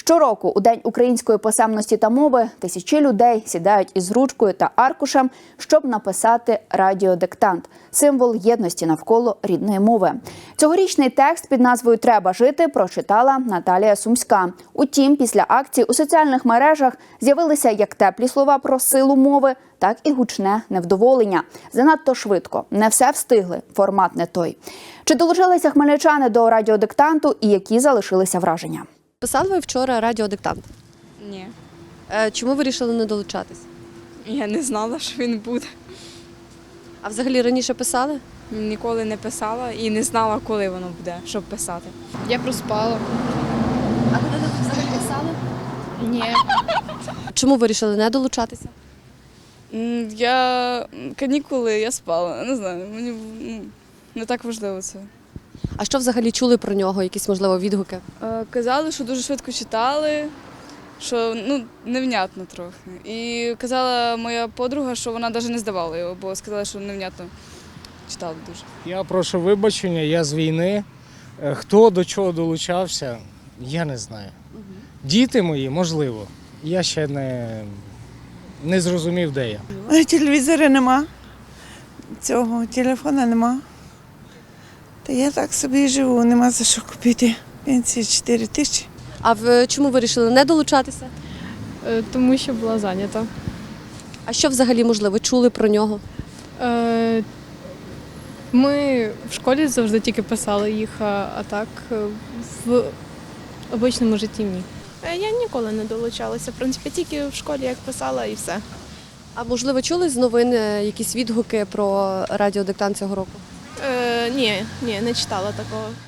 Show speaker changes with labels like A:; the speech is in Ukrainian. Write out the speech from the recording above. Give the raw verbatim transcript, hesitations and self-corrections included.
A: Щороку у День української писемності та мови тисячі людей сідають із ручкою та аркушем, щоб написати радіодиктант – символ єдності навколо рідної мови. Цьогорічний текст під назвою «Треба жити» прочитала Наталія Сумська. Утім, після акції у соціальних мережах з'явилися як теплі слова про силу мови, так і гучне невдоволення. Занадто швидко, не все встигли, формат не той. Чи долучилися хмельничани до радіодиктанту і які залишилися враження?
B: Писали ви вчора радіодиктант?
C: Ні.
B: Е, Чому ви вирішили не долучатись?
C: Я не знала, що він буде.
B: А взагалі раніше писали?
C: Ніколи не писала і не знала, коли воно буде, щоб писати.
D: Я проспала.
B: А коли ви взагалі писали?
D: Ні.
B: Чому вирішили не долучатися?
E: М, Я канікули, я спала. Не знаю, мені ну, не так важливо це.
B: А що взагалі чули про нього? Якісь, можливо, відгуки?
E: Е, Казали, що дуже швидко читали, що ну, невнятно трохи. І казала моя подруга, що вона навіть не здавала його, бо сказала, що невнятно читали дуже.
F: Я прошу вибачення, я з війни. Е, Хто до чого долучався, я не знаю. Діти мої, можливо. Я ще не, не зрозумів, де я.
G: Телевізора нема, цього телефона нема. Та я так собі і живу, нема за що купити. Пенсія чотири тисячі.
B: А в чому вирішили не долучатися?
D: Е, Тому що була зайнята.
B: А що взагалі, можливо, чули про нього?
D: Е, Ми в школі завжди тільки писали їх, а а так е, в обичному житті ні.
H: Е, Я ніколи не долучалася. В принципі, тільки в школі як писала і все.
B: А можливо, чули з новин е, якісь відгуки про радіодиктант цього року?
H: Е, ні, ні, не читала такого.